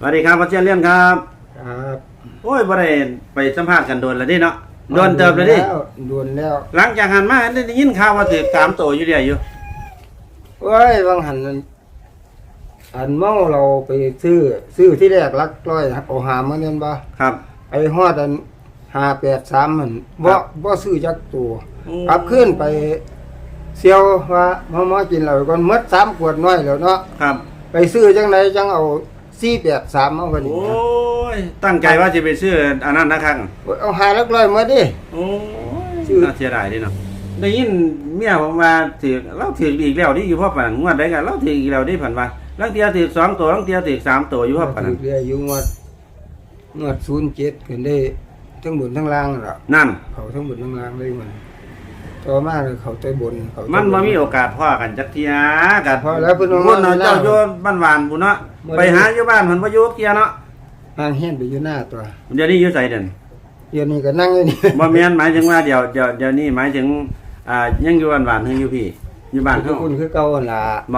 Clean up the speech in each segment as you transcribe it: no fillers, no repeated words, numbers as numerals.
วัสดีครับพ่อเชียนเลี้ยนครับครับโอ้ยบ่ได้ไปสัมภาษณ์กันโดนแล้วดิเนาะโดนเติบเลยดิโดนแล้วหลังจากหันมาได้ยินข่าวว่าถือ3ตัวอยู่เดียวอยู่เว้ยบางหันเมาเราไปซื้อที่แรกลักร้อยเอาหามาเงินบ่ครับไอ้ฮอด583มันบ่ซื้อจักตัวกลับขึ้นไปเซียวว่าหมอกินแล้วก่อนหมด3ขวดน้อยแล้วเนาะครับไปซื้อจังไดจังเอา483เอาบัดนี้โอ้ยตั้งใจว่าจะไปซื้ออันนั้นนะครับเอาหาลักร้อยมาดิโอ้ยน่าเสียดายดิเนาะได้ยินเมียผมว่าถือเราถืออีกแล้วนี่อยู่พ่อปานงวดใดกันเราถืออีกแล้วนี่ผ่านว่าลังเตียถือ2ตัวลังเตียถือ3ตัวอยู่พ่อปานถืออยู่งวด07ขึ้นได้ทั้งบนทั้งล่างล่ะนั่นเขาทั้งบนทั้งล่างเลยมันต่อมาเลยเขาใจบนมันบ่มีโอกาสพ่อกันจักเที่ยกันพอแล้วเพิ่นว่าเจ้าอยู่บ้านหวานพุ่นเนาะไปหาอยู่บ้านเพิ่นบ่อยู่เที่ยเนาะห่างเฮียนไปอยู่หน้าตัวเดี๋ยวนี้อยู่ไสเด่นเดี๋ยวนี้ก็นั่งอยู่นี่บ่แม่นหมายถึงว่าเดี๋ยวนี้หมายถึงยังอยู่บ้านหวานเฮาอยู่พี่อยู่บ้านเฮาคุณคือเก่าหั่นล่ะบ่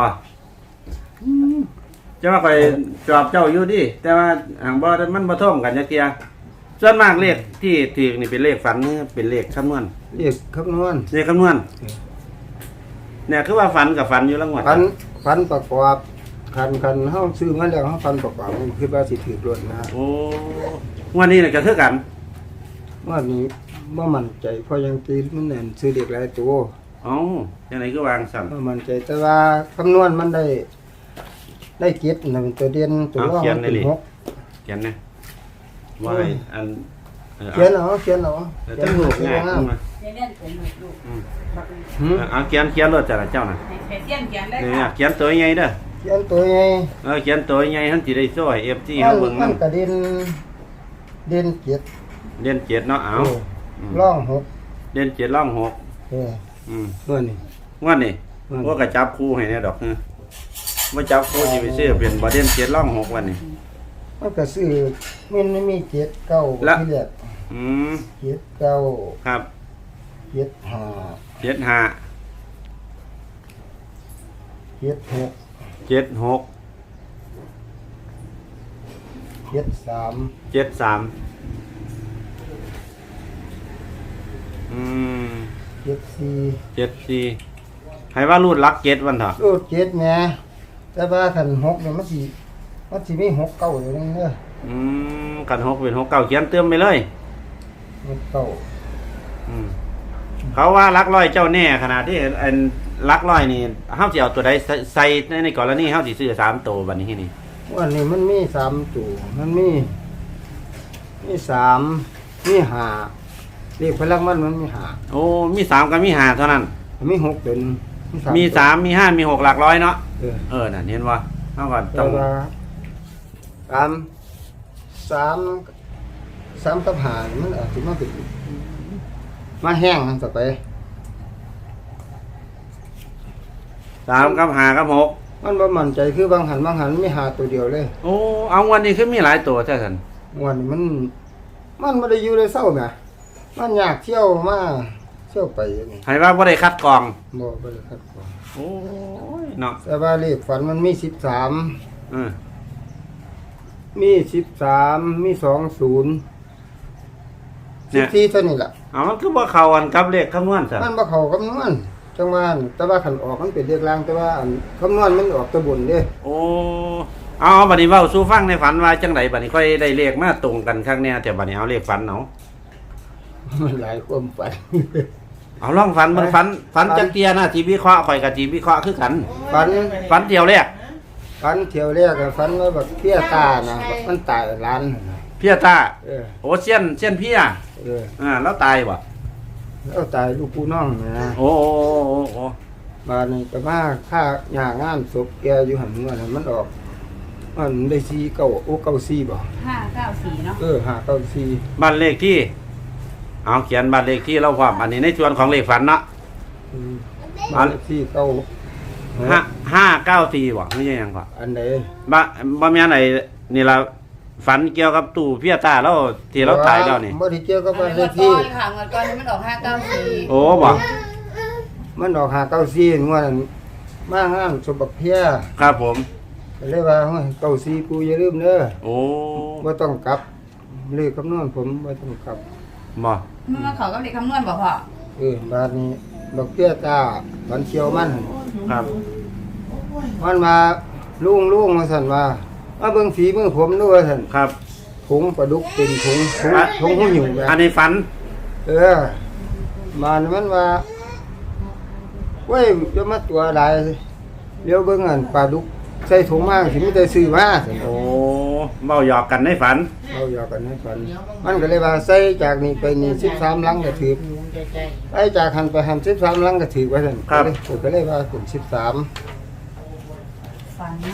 จะว่าไปจอบเจ้าอยู่ดิแต่ว่าห่างบ่มันบ่ท่วมกันจักเที่ยส่วนมากเลขที่ถูกนี่เป็นเลขฝันนี่เป็นเลขคำนวณเลขคำนวณเนี่ยคือว่าฝันกับฝันอยู่ละงวดฝันประกอบคันเฮาซื้อมาแล้วเฮาฝันประกอบคือว่าสิถูกรถนะโอ้งวดนี้น่ะก็คือกันงวดนี้บ่มั่นใจเพราะยังตีมันแน่นซื้อเด็กหลายตัวอ๋อจังได๋คือวางซ้ํบ่มั่นใจแต่ว่าคำนวณมันได้เก็บ1ตัวเด่นตัวรองเป็น6 เขียนนะว่าอันเขียนเอาต้องลูกง่ายขึ้นมาเอาเขียนรถจากเจ้าน่ะเนี่ยเขียนตัวใหญ่เด้อเขียนตัวใหญ่เขียนตัวใหญ่ท่านสิได้โซ่ให้ FT เฮาเบิ่งมันก็เด่น 7เนาะเอาร่อง6 เด่น7ร่อง6งวดนี้ว่าก็จับคู่ให้แน่ดอกบ่จับคู่สิไปซื้อเป็นบ่เด่น7ร่อง6วันนี้มันก็ซื้อมันไม่มี7 9ที่แรก7 9 ครับ 7 5 7 5 7 6 7 6 7 3 7 37 4ให้ว่ารูดลัก7วันเถอะรูด7แหมแต่ว่าคัน6เนี่ยมันสิมี6 9อยู่นึงเด้อคัน6เป็น6 9เขียนเติมไปเลย 6 9 เขาว่าลักร้อยเจ้าแน่ขนาดที่อันลักร้อยนี่เฮาสิเอาตัวใดใส่ในกรณีเฮาสิซื้อ3ตัวบัดนี้นี่วันนี้มันมี3ตัวมันมี3มี5เลขพลังมันมี5 โอ้มี3กับมี5เท่านั้นมี6เป็นมี3มี5มี6หลักร้อยเนาะนั่นเห็นบ่เฮาก็ต้อง3กับ5มันอาจสิมาเป็นมาแห้งต่อไป3กับ5กับ6 มันบ่มั่นใจคือบางหันมี5ตัวเดียวเลยโอ้เอาวันนี้คือมีหลายตัวแท้ซั่นวันนี้มันบ่ได้อยู่เลยเศร้าแหมมันอยากเที่ยวมาเที่ยวไปนี่ให้ว่าบ่ได้คัดกรองบ่ได้คัดกรองโอ้ยเนาะแต่ว่าเลขฝันมันมี13มี13มี20 14เท่านี้ล่ะมันคือบ่เข้ากันกับเลขคำนวณซั่นมันบ่เข้าคำนวณจังว่าแต่ว่าคันออกมันเป็นเลขล่างแต่ว่าคำนวณมันออกตะบนเด้โอ้เอาบัดนี้เว้าสู่ฟังในฝันว่าจังไดบัดนี้ค่อยได้เลขมาตรงกันครั้งแน่แต่บัดนี้เอาเลขฝันเอามันหลายความฝันเอาลองฝันมันฝันจักเตียนะที่วิเคราะห์ข่อยกับที่วิเคราะห์คือกันฝันเที่ยวแรกฝันว่าแบบเพี้ยตานะมันตายร้านเพี้ยตาโอ้เสี้ยนเพี้ยแล้วตายบ่แล้วตายลูกผู้น้องนะโอ้บ้านนี้ก็มาค่าหย่างานศพแกอยู่หันเงินมันออกมันได้4 9โอ้94บ่ 594เนาะ 594 บ้านเลขที่เอาเขียนบ้านเลขที่เราพร้อมอันนี้ในส่วนของเลขฝันเนาะบ้านเลขที่ 594บ่ไม่ใช่หยังก่อนอันไหนบ่แม่นไอ้นี่ล่ะฝันเกี่ยวกับตู้เพี้ยตาแล้วที่เราตายแล้วนี่บ่ได้เกี่ยวกับบ้านเลขที่ค่ะเมื่อก่อนมันออก594 โอ้บ่มันออก594งวดมางานศพบักเพี้ยครับผมก็เลยว่าเฮ้ยเก้าสี่ปูอย่าลืมเด้อโอ้บ่ต้องกลับเลขคำนวณผมบ่ต้องกลับบ่มันเขาก็เด็กคำนวณบอกพ่อบาดนี้ดอกเบี้ยตาวันเชียวมันครับมันมาลุงมาสั่นว่ามาเบิ่งฝีมือผมดูว่าสั่นครับถุงปลาดุกเป็นถุงหูหิวแบบอันนี้ฝันมันว่าเว้ยจะมาตัวใดเลี้ยวเบิ่งอันปลาดุกใส่ถุงมากสิมีแต่ซื้อมาสั่นโอ้เว้าหยอกกันในฝันเอาอยากกันให้ฝันมันก็เลยว่าใส่จากนี้ไปนี่13ลังก็ถือไปจากหันไปหัน13ลังก็ถือว่าสั่นก็เลยว่าเป็น13 ฝันนะ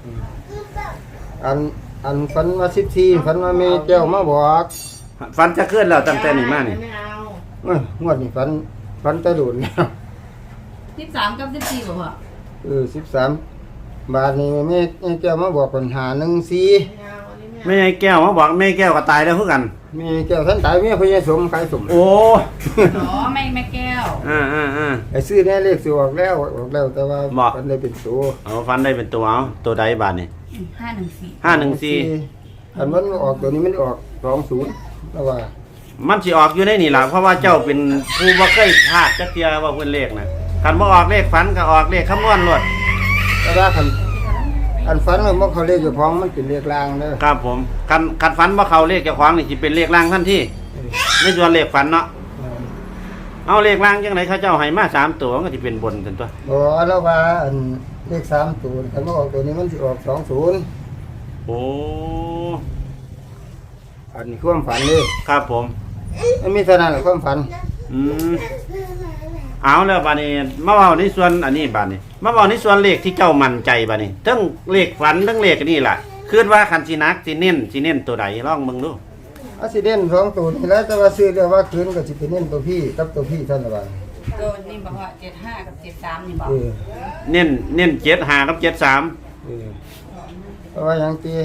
อันฝันว่า14ฝันว่าแม่แก้วมาบอกฝันจะเคลื่อนแล้วตั้งแต่นี้มานี่เอ้ยงวดนี้ฝันแต่โดนแล้ว 13กับ14บอกพ่อ 13บาทนี้แม่แก้วมาบอกปัญหา14 แม่แก้วมาบอกแม่แก้วก็ตายแล้วคือกันแม่แก้วท่านตายแม่พญาสมขายสมโอ้อ๋อแม่แก้วอ่าไอ้ซื้อแน่เลขสิออกแล้วแต่ว่าบอกมันได้เป็นตัวเอาฝันได้เป็นตัวเอาตัวใดบาทนี่ 514 514 อันมันออกตัวนี้มันออก20แล้วว่ามันสิออกอยู่ในนี่ล่ะเพราะว่าเจ้าเป็นผู้บ่เคยพลาดจักเที่ยว่าเพิ่นเลขน่ะคันบ่ออกเลขฝันก็ออกเลขคำนวณโลดแต่ว่าอันฝันว่าเขาเลขอยู่ของมันเป็นเลขลางเด้อครับผมคันฝันบ่เข้าเลขเจ้าของนี่สิเป็นเลขล่างทันทีในส่วนเลขฝันเนาะเอาเลขล่างจังไดเขาเจ้าให้มา3ตัวมันก็สิเป็นบนซั่นตัวบ่แล้วว่าอันเลข3ตัวคันบ่ออกตัวนี้มันสิออก20 โอ้อันนี้ความฝันเด้ครับผมมันมีเท่านั้นแหละความฝันอืมเอาแล้วบัดนี้มาเว้าในส่วนอันนี้บัดนี้มาเว้าในส่วนเลขที่เจ้ามั่นใจบัดนี้ทั้งเลขฝันทั้งเลขอันนี้ล่ะคิดว่าคันสินักสิเน้นตัวใดลองเบิ่งดูอาสิเด่น2ตัวนี่แหล้วแต่ว่าซื้อเรียกว่าคืนก็สิเป็นเน้นตัวพี่กับตัวพี่เท่านั้นว่าตัวนี้บอกว่า75กับ73นี่บอกเออเน้น75กับ73 เออเพราะว่าอย่างที่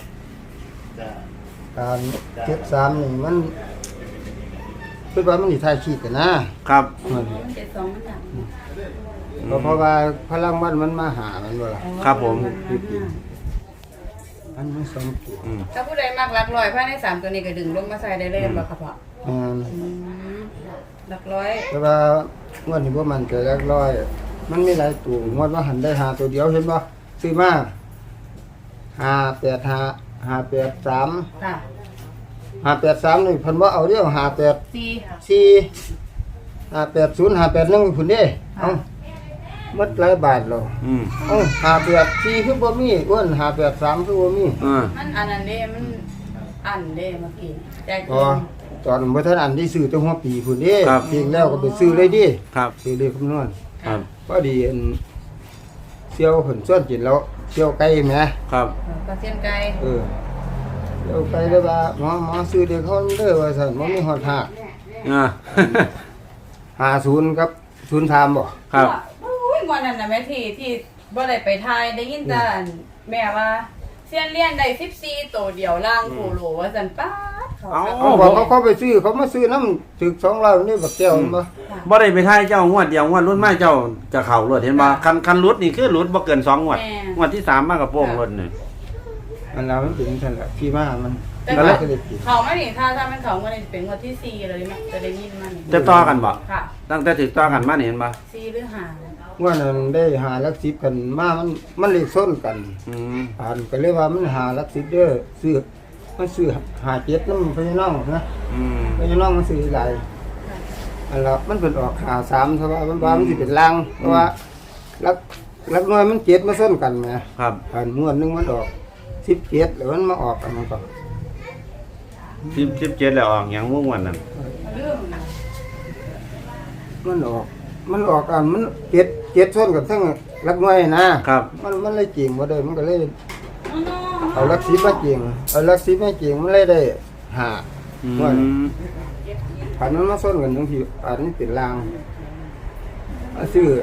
การ73นี่มันคือว่ามันสิทายขีดกันนะครับมัน72มันดังเพราะว่าพลังมันมาหามันบ่ล่ะครับผมอันมันสองตัวอืมถ้าผู้ใดมักหลักร้อยภายใน3ตัวนี้ก็ดึงลงมาใส่ได้เลยบ่ครับพ่อ หลักร้อยแต่ว่างวดนี้บ่มันใจแรกร้อยมันมีหลายตัวงวดว่าหันได้หาตัวเดียวเห็นบ่ซื้อมา585 583 ค่ะ 583นี่เพิ่นบ่เอาเด้อ58 4 4 580 581พุ่นเด้เอ้าหมดหลายบาทแล้วอืมเอ้า584คือบ่มีอ้วน583คือบ่มีมันอันนั้นเด้มันอันเด้เมื่อกี้แต่อ๋อตอนบ่ทันอันที่ซื้อตัวหัวปีพุ่นเด้ครับจริงแล้วก็ไปซื้อเลยดิครับซื้อเลขคำนวณครับพอดีอันเสี่ยวเพิ่นชวนกินแล้วเสี่ยวไก่แหมครับกระเทียมไก่เสี่ยวไก่เลยว่าหมอซื้อเด็กเขาเด้อว่าซั่นบ่มีฮอดหักอ่า 50กับ03บ่ครับโอ้ยวันนั้นน่ะแม่ที่บ่ได้ไปทายได้ยินแต่อันแม่ว่าเซียนเลี้ยนได้14ตัวเดียวล่างโคโลว่าซั่นป๊าดเขาเอาเขาบอกเขาไปซื้อเขามาซื้อน้ำถึก200นี่บักแก้วมันบ่บ่ได้ไปทายเจ้างวดเดียวงวดรุ่นมาเจ้าจะเข้ารถเห็นบ่คันรุดนี่คือรุดบ่เกิน2งวดงวดที่3มาก็โป้งรถนี่อันนั้นมันเป็นซั่นแหละที่มามันแต่ก็ว่าเลยได้กินเขาไม่นี่ถ้ามันเขามันจะเป็นงวดที่4เลยมั้ยจะได้ยินมันจะต่อกันบ่ค่ะตั้งแต่ถึกต่อกันมานี่เห็นบ่ 4หรือ5 ว่านั้นได้หาหลัก10กันมามันเลขซ้นกันอืมอ่านก็เลยว่ามันหาหลัก10เด้อซื้อมันซื้อหา7นำพี่น้องนะอืมพี่น้องมันซื้อหลายอันละมันเป็นออกหา3เพราะว่ามันว่ามันสิเป็นลางเพราะว่าหลักน้อยมัน7มาซ้นกันแหมครับอันงวดหนึงมันออก17แล้วมันมาออกอันนั้นก็ 17แล้วออกหยังม่วนนั่นเรื่องมันออกอันมัน7ซ้นกันทั้งหลักน้อยนะครับ มันเลยจริงบ่ได้มันก็เลยเอาหลัก10มาจริงเอาหลัก10มาจริงมันเลยได้หาอืว่ามผ่านมันมาซ้นกันจังซี่อันนี้เป็นลางซื้อ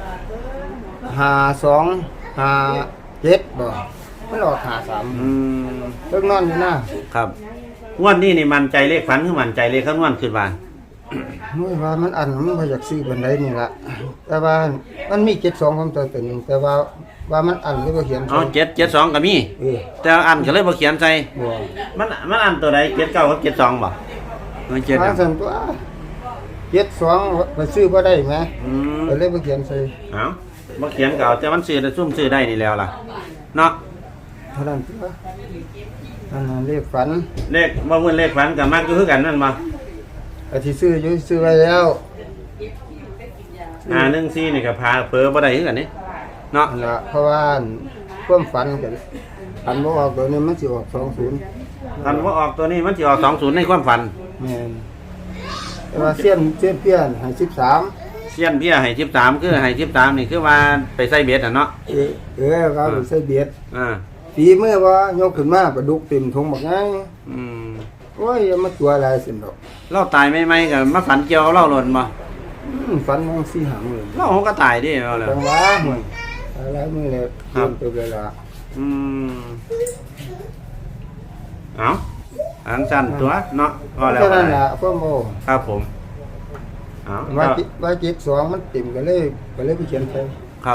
5257บ่มันออก53 อืมเลิกนอนอยู่นะครับงวดนี้นี่มั่นใจเลขฝันคือมั่นใจเลขคำนวณขึ้นว่าโอ้ยว่ามันอันมันบ่อยากซื้อบันไดนี่ล่ะแต่ว่ามันมี72ของตัวหนึงแต่ว่ามันอันเลยบ่เขียนเอา772ก็มีเออแต่อันก็เลยบ่เขียนใส่บ่มันอันตัวใด79กับ72บ่มัน7 ว่าซั่นตัว72ไปซื้อบ่ได้แหมอืมก็เลยบ่เขียนใส่เอาบ่เขียนก็เอาแต่มันซื้อได้ซุ่มซื้อได้นี่แล้วล่ะเนาะเท่านั้นตัวอันนั้นเลขฝันเลขบ่เหมือนเลขฝันก็มักอยู่คือกันนั่นบ่ก็สิซื้ออยู่ซื้อไว้แล้ว 14นี่ก็พาเผลอบ่ได้คือกันนี่เนาะนั่นล่ะเพราะว่าความฝันกันอันบ่ออกตัวนี้มันสิออก20 คันว่าออกตัวนี้มันสิออก20ในความฝันแม่นแต่ว่าเสี้ยนเปี้ยนให้13 เสี้ยนเบี้ยให้13คือให้13นี่คือว่าไปใส่เบ็ดน่ะเนาะก็ไปใส่เบียดอ่าฝีมือว่ายกขึ้นมาปลาดุกเต็มถุงบักไงอืมโอ้ยอย่ามาตัวอะไรสินดอกเราตายใหม่ๆก็มาฝันเกี่ยวกับเราหล่นบ่ฝันมองสี่หางเลยเราก็ตายดิเอาเลยจังหวะหวยอะไรมือเลยครับตัวเวลาอืมเอาอันสั้นตัวเนาะก็แล้วแค่ก็นั้นได้ล่ะพ่อโมครับผมเอาว่าจิตสองมันเต็มก็เลยไปเขียนไปครับ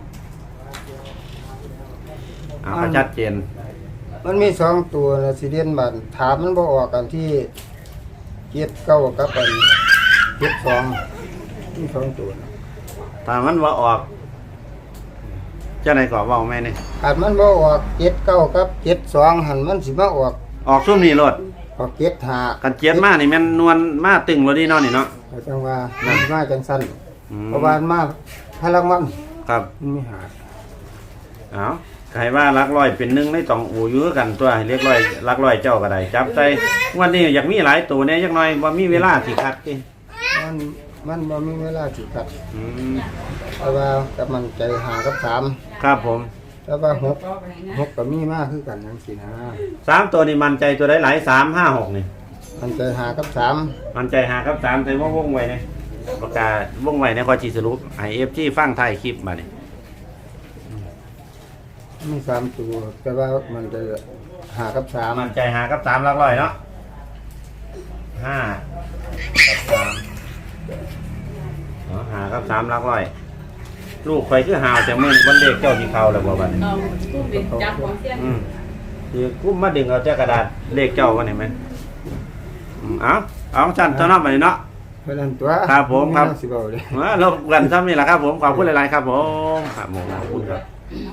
เอาก็ชัดเจนมันมี2ตัวนะสิเรียนบันถามมันบ่ออกกันที่เจ็ดเก้ากับอันเจ็ดสองมี2ตัวนะถ้ามันว่าออกเจ้าไหนก่อเว้าแม่นี่อาจมันบ่ออกเจ็ดเก้ากับเจ็ดสองหันมันสิมาออกออกซุ่มนี่โลดออกเจ็ดหากันเจียนมานี่แม่นนวลมาตึงบ่ดีเนาะนี่เนาะจังว่ามันมาจังสั้นอืมเพราะว่ามันมาพลังมันครับมันไม่หาเอาใครว่ารักร้อยเป็นหนึ่งในต้องอูอยู่คือกันตัวให้เรียกร้อยรักร้อยเจ้าก็ได้จับใจวันนี้อยากมีหลายตัวเนี่ยจักหน่อยว่ามีเวลาสิคัดติมันบ่มีเวลาสิคัดอืมเพราะว่ากับมันใจหากับสามครับผมแล้วว่าหกก็มีมากคือกันจังซี่นะ 3ตัวนี่มันใจตัวได้หลาย3 5 6นี่มันใจหากับสามมันใจ5กับ3แต่ว่าวงไว้เนี่ยประกาศวงไว้ในข้อสิสรุปให้ FG ฟังท้ายคลิปมานี่มีสามตัวแต่ว่ามันจะหากับสามมันใจ5กับ3รักร้อยเนาะ5กับ35กับ3รักร้อยลูกข่อยคือหาวแต่มื้อวันเด็กเจ้าสิเข้าแล้วบ่บัดนี้เอาตู้เป็นจับของเสี้ยนคือกุ้มมาดึงเอาแต่กระดาษเลขเจ้ากันเห็นไหมเอาชั้นเท่านั้นไปเนาะเพราะนั้นตัวครับผมครับสิเว้าเลยรบกันซ้ำนี่แหละครับผมขอบคุณหลายๆครับผมครับผมขอบคุณครับ